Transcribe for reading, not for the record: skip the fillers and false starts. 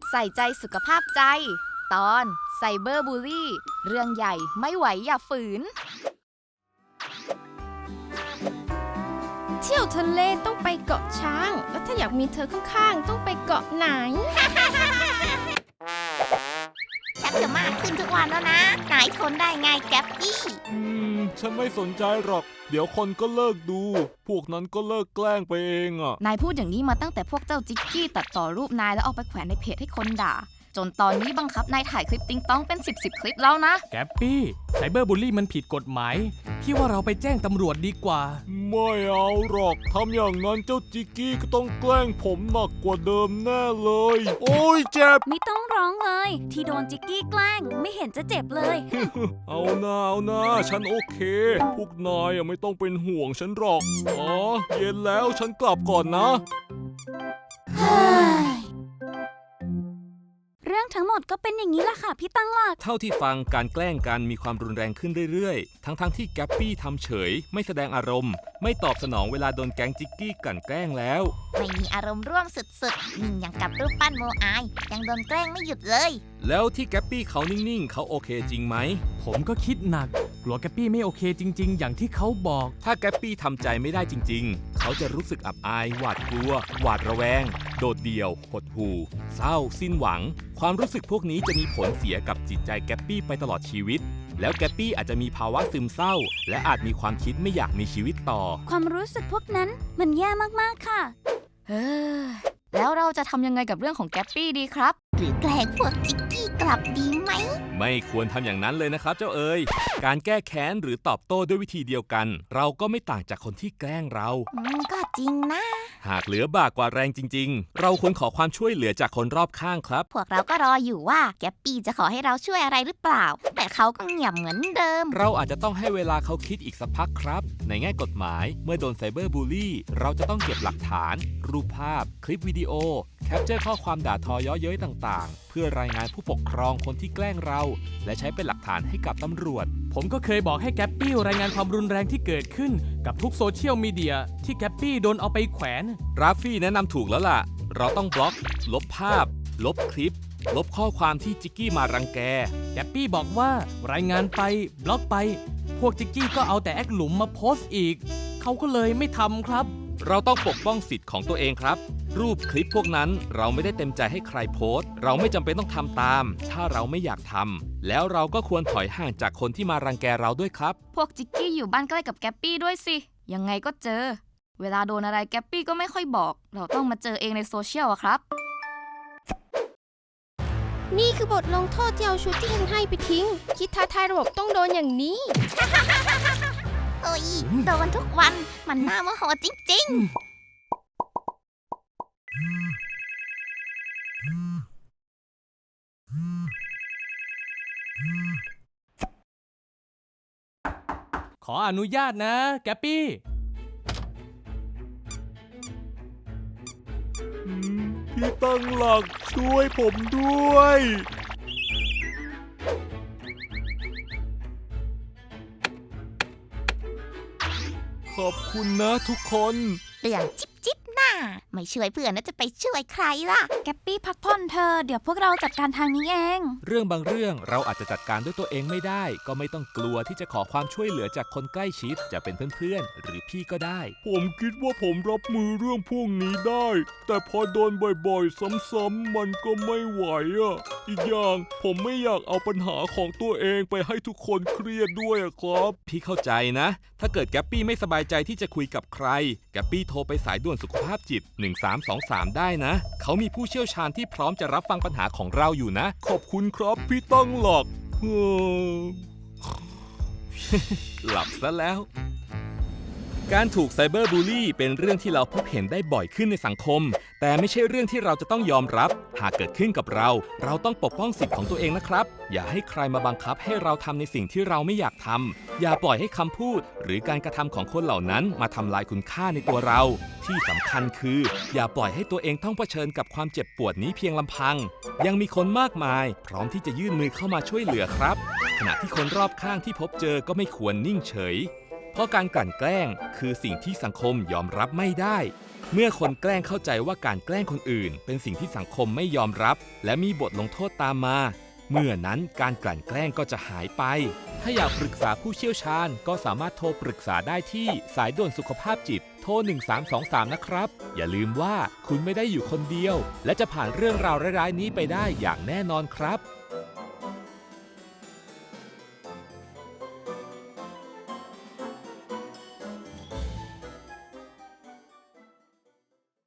ใส่ใจสุขภาพใจ ตอนไซเบอร์บูลลี่ เรื่องใหญ่ไม่ไหวอย่าฝืนเที่ยวทะเลต้องไปเกาะช้าง แล้วถ้าอยากมีเธอข้างๆต้องไปเกาะไหนชักจะมากขึ้นทุกวันแล้วนะนายทนได้ไงแก๊ปปี้ฉันไม่สนใจหรอก เดี๋ยวคนก็เลิกดู พวกนั้นก็เลิกแกล้งไปเองอ่ะนายพูดอย่างนี้มาตั้งแต่พวกเจ้าจิกกี้ตัดต่อรูปนายแล้วเอาไปแขวนในเพจให้คนด่า จนตอนนี้บังคับนายถ่ายคลิปติ๊งต้องเป็น10คลิปแล้วนะแกปปี้ไซเบอร์บูลลี่มันผิดกฎหมายพี่ว่าเราไปแจ้งตำรวจดีกว่าไม่เอาหรอก ทำอย่างนั้นเจ้าจิกกี้ก็ต้องแกล้งผมหนักกว่าเดิมแน่เลย โอ้ยเจ็บไม่ต้องร้องเลย ที่โดนจิกกี้แกล้งไม่เห็นจะเจ็บเลยเอาหน้าฉันโอเค พวกนายไม่ต้องเป็นห่วงฉันหรอก อ๋อ เย็นแล้วฉันกลับก่อนนะเรื่องทั้งหมดก็เป็นอย่างนี้แหละค่ะพี่ตั้งหลักเท่าที่ฟังการแกล้งกันมีความรุนแรงขึ้นเรื่อยๆ ทั้งที่แกปปี้ทำเฉยไม่แสดงอารมณ์ ไม่ตอบสนองเวลาโดนแก๊งจิกกี้กลั่นแกล้งแล้วไม่มีอารมณ์ร่วมสุดๆนิ่งอย่างกับรูปปั้นโมอายยังโดนแกล้งไม่หยุดเลยแล้วที่แกปปี้เขานิ่งๆเขาโอเคจริงไหมผมก็คิดหนักกลัวแกปปี้ไม่โอเคจริงๆ อย่างที่เขาบอกถ้าแกปปี้ทำใจไม่ได้จริงๆ เขาจะรู้สึกอับอายหวาดกลัว หวาดระแวง โดดเดี่ยว หดหู่ เศร้า สิ้นหวัง ความรู้สึกพวกนี้จะมีผลเสียกับจิตใจแกปปี้ไปตลอดชีวิต แล้วแกปปี้อาจจะมีภาวะซึมเศร้า และอาจมีความคิดไม่อยากมีชีวิตต่อความรู้สึกพวกนั้นมันแย่มากๆค่ะเฮ้ยแล้วเราจะทำยังไงกับเรื่องของแก๊ปปี้ดีครับหรือแกล้งพวกจิกกี้กลับดีไหมไม่ควรทำอย่างนั้นเลยนะครับเจ้าเอ๋ย การแก้แค้นหรือตอบโต้ด้วยวิธีเดียวกัน เราก็ไม่ต่างจากคนที่แกล้งเราก็จริงนะหากเหลือบากกว่าแรงจริงๆ เราควรขอความช่วยเหลือจากคนรอบข้างครับพวกเราก็รออยู่ว่าแก๊ปปี้จะขอให้เราช่วยอะไรหรือเปล่า แต่เขาก็เงียบเหมือนเดิมเราอาจจะต้องให้เวลาเขาคิดอีกสักพักครับ ในแง่กฎหมายเมื่อโดนไซเบอร์บูลลี่ เราจะต้องเก็บหลักฐาน รูปภาพ คลิปวิดีโอ แคปเจอร์ข้อความด่าทอเย้อเย้ยต่างๆ เพื่อรายงานผู้ปกครองคนที่แกล้งเรา และใช้เป็นหลักฐานให้กับตำรวจผมก็เคยบอกให้แกปปี้รายงานความรุนแรงที่เกิดขึ้นกับทุกโซเชียลมีเดียที่แกปปี้โดนเอาไปแขวนราฟฟี่แนะนำถูกแล้วล่ะ เราต้องบล็อก ลบภาพ ลบคลิป ลบข้อความที่จิกกี้มารังแกแกปปี้บอกว่ารายงานไปบล็อกไป พวกจิกกี้ก็เอาแต่แอคหลุมมาโพสต์อีก เขาก็เลยไม่ทำครับเราต้องปกป้องสิทธิ์ของตัวเองครับ รูปคลิปพวกนั้นเราไม่ได้เต็มใจให้ใครโพสต์ เราไม่จำเป็นต้องทำตาม ถ้าเราไม่อยากทำ แล้วเราก็ควรถอยห่างจากคนที่มารังแกเราด้วยครับพวกจิกกี้อยู่บ้านใกล้กับแก๊ปปี้ด้วยสิ ยังไงก็เจอ เวลาโดนอะไรแก๊ปปี้ก็ไม่ค่อยบอก เราต้องมาเจอเองในโซเชียลอะครับนี่คือบทลงโทษที่เอาชุดที่ฉันให้ไปทิ้ง คิดท้าทายระบบต้องโดนอย่างนี้โอ้ยโดนทุกวันมันน่าโมโหจริงๆขออนุญาตนะแกปปี้พี่ตั้งหลักช่วยผมด้วย ขอบคุณนะทุกคนเรื่องจิ๊บน่าไม่ช่วยเพื่อนแล้วจะไปช่วยใครล่ะแกปปี้พักผ่อนเธอ เดี๋ยวพวกเราจัดการทางนี้เองเรื่องบางเรื่องเราอาจจะจัดการด้วยตัวเองไม่ได้ ก็ไม่ต้องกลัวที่จะขอความช่วยเหลือจากคนใกล้ชิด จะเป็นเพื่อนๆ หรือพี่ก็ได้ผมคิดว่าผมรับมือเรื่องพวกนี้ได้ แต่พอโดนบ่อยๆ ซ้ำๆมันก็ไม่ไหวอ่ะ อีกอย่างผมไม่อยากเอาปัญหาของตัวเองไปให้ทุกคนเครียดด้วยอะครับพี่เข้าใจนะ ถ้าเกิดแกปปี้ไม่สบายใจที่จะคุยกับใคร แกปปี้โทรไปสายด่วนสุขภาพจิต 1323 ได้นะ เขามีผู้เชี่ยวชาญที่พร้อมจะรับฟังปัญหาของเราอยู่นะขอบคุณครับพี่ตั้งหลักหลับซะแล้ว การถูกไซเบอร์บูลลี่เป็นเรื่องที่เราพบเห็นได้บ่อยขึ้นในสังคม แต่ไม่ใช่เรื่องที่เราจะต้องยอมรับ หากเกิดขึ้นกับเรา เราต้องปกป้องสิทธิ์ของตัวเองนะครับ อย่าให้ใครมาบังคับให้เราทำในสิ่งที่เราไม่อยากทำ อย่าปล่อยให้คำพูด หรือการกระทำของคนเหล่านั้นมาทำลายคุณค่าในตัวเรา ที่สำคัญคือ อย่าปล่อยให้ตัวเองต้องเผชิญกับความเจ็บปวดนี้เพียงลำพัง ยังมีคนมากมาย พร้อมที่จะยื่นมือเข้ามาช่วยเหลือครับ ขณะที่คนรอบข้างที่พบเจอก็ไม่ควรนิ่งเฉย เพราะการกลั่นแกล้งคือสิ่งที่สังคมยอมรับไม่ได้ ใเมื่อคนแกล้งเข้าใจว่าการแกล้งคนอื่นเป็นสิ่งที่สังคมไม่ยอมรับ และมีบทลงโทษตามมา เมื่อนั้นการกลั่นแกล้งก็จะหายไป ถ้าอยากปรึกษาผู้เชี่ยวชาญก็สามารถโทรปรึกษาได้ที่สายด่วนสุขภาพจิตโทร 1323 นะครับ อย่าลืมว่าคุณไม่ได้อยู่คนเดียว และจะผ่านเรื่องราวร้ายๆนี้ไปได้อย่างแน่นอนครับ